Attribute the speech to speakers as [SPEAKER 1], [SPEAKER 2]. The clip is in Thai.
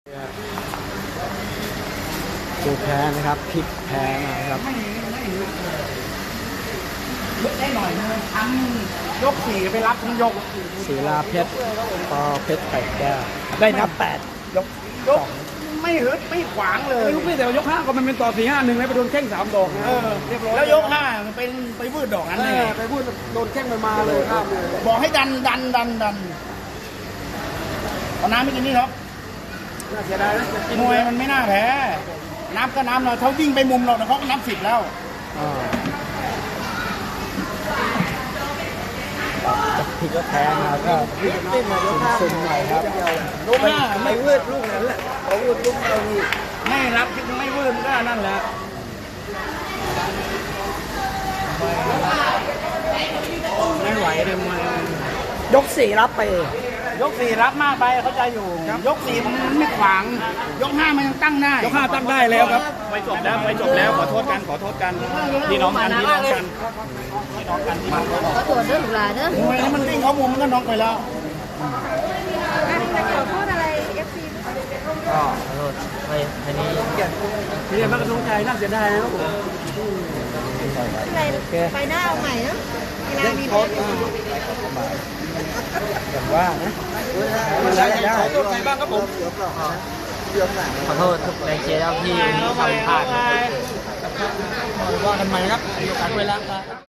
[SPEAKER 1] ดูแพ้นะครับพลิกแพ้นะครับ
[SPEAKER 2] ได้หน่อยนึงทั้งยก4ไปรับทั้งยก
[SPEAKER 1] ศิลาเพชรปอเพชรไข่แก้วได้นับ8ยก
[SPEAKER 2] ไม่ฮึดไม่ขวางเลย
[SPEAKER 3] ไม่รู้พี่แต่ยก5ก็มันเป็นต่อ4-5-1แล้วไปโดนแข้ง3 ดอกนะ
[SPEAKER 2] เรียบร้อยแล้วยก5มันเป็นไปวืดดอกนั้นเลย
[SPEAKER 3] ไปพูดโดนแข้งมันมาเลยครับ
[SPEAKER 2] บอกให้ดันเอาน้ำไม่กินนี่หรอก
[SPEAKER 3] น่าเสียดายนะ
[SPEAKER 2] มวยมันไม่น่าแพ้น้ำก็น้ำเราเขาวิ่งไปมุมเราเขานับ10แล้ว
[SPEAKER 1] จะพลิกแพ้มาก็ซึมหน่อยครับ
[SPEAKER 2] ยก5ไม่วืดลูกนั้นแหละเขาวืดลูกเรานี่ไม่รับไม่วืดก็นั่นแหละ
[SPEAKER 3] ไม่ไหวเลยมวย
[SPEAKER 1] ยก4รับไป
[SPEAKER 2] ยก4รับมากไปเขาใจอยู่ยก4มันไม่ขวางยก5มันยังตั้งได้
[SPEAKER 3] ยก5ตั้งได้แล้วครับ
[SPEAKER 2] ไปจบแล้วขอโทษกันพี่น้องกันพี่น้องกัน
[SPEAKER 4] có tuần đó là đó
[SPEAKER 2] มวยมันวิ่งเขามุมมันก็น็อกไปแล้ว
[SPEAKER 4] ขอโทษอะไร FC
[SPEAKER 1] ก็ขอโทษไปนี้
[SPEAKER 3] นี่มันกระทงใจน่าเสียดายนะครับผม
[SPEAKER 4] ไปหน้าเอาใหม่เนาะเวลามีโพส
[SPEAKER 1] อย่างว่านะ
[SPEAKER 3] ขอโทษใครบ้างครับผม
[SPEAKER 1] ขอโทษทุกแรงเชียร์ที่ทำพลาดว่ากันใหม่ครับมีโอกาสเวลา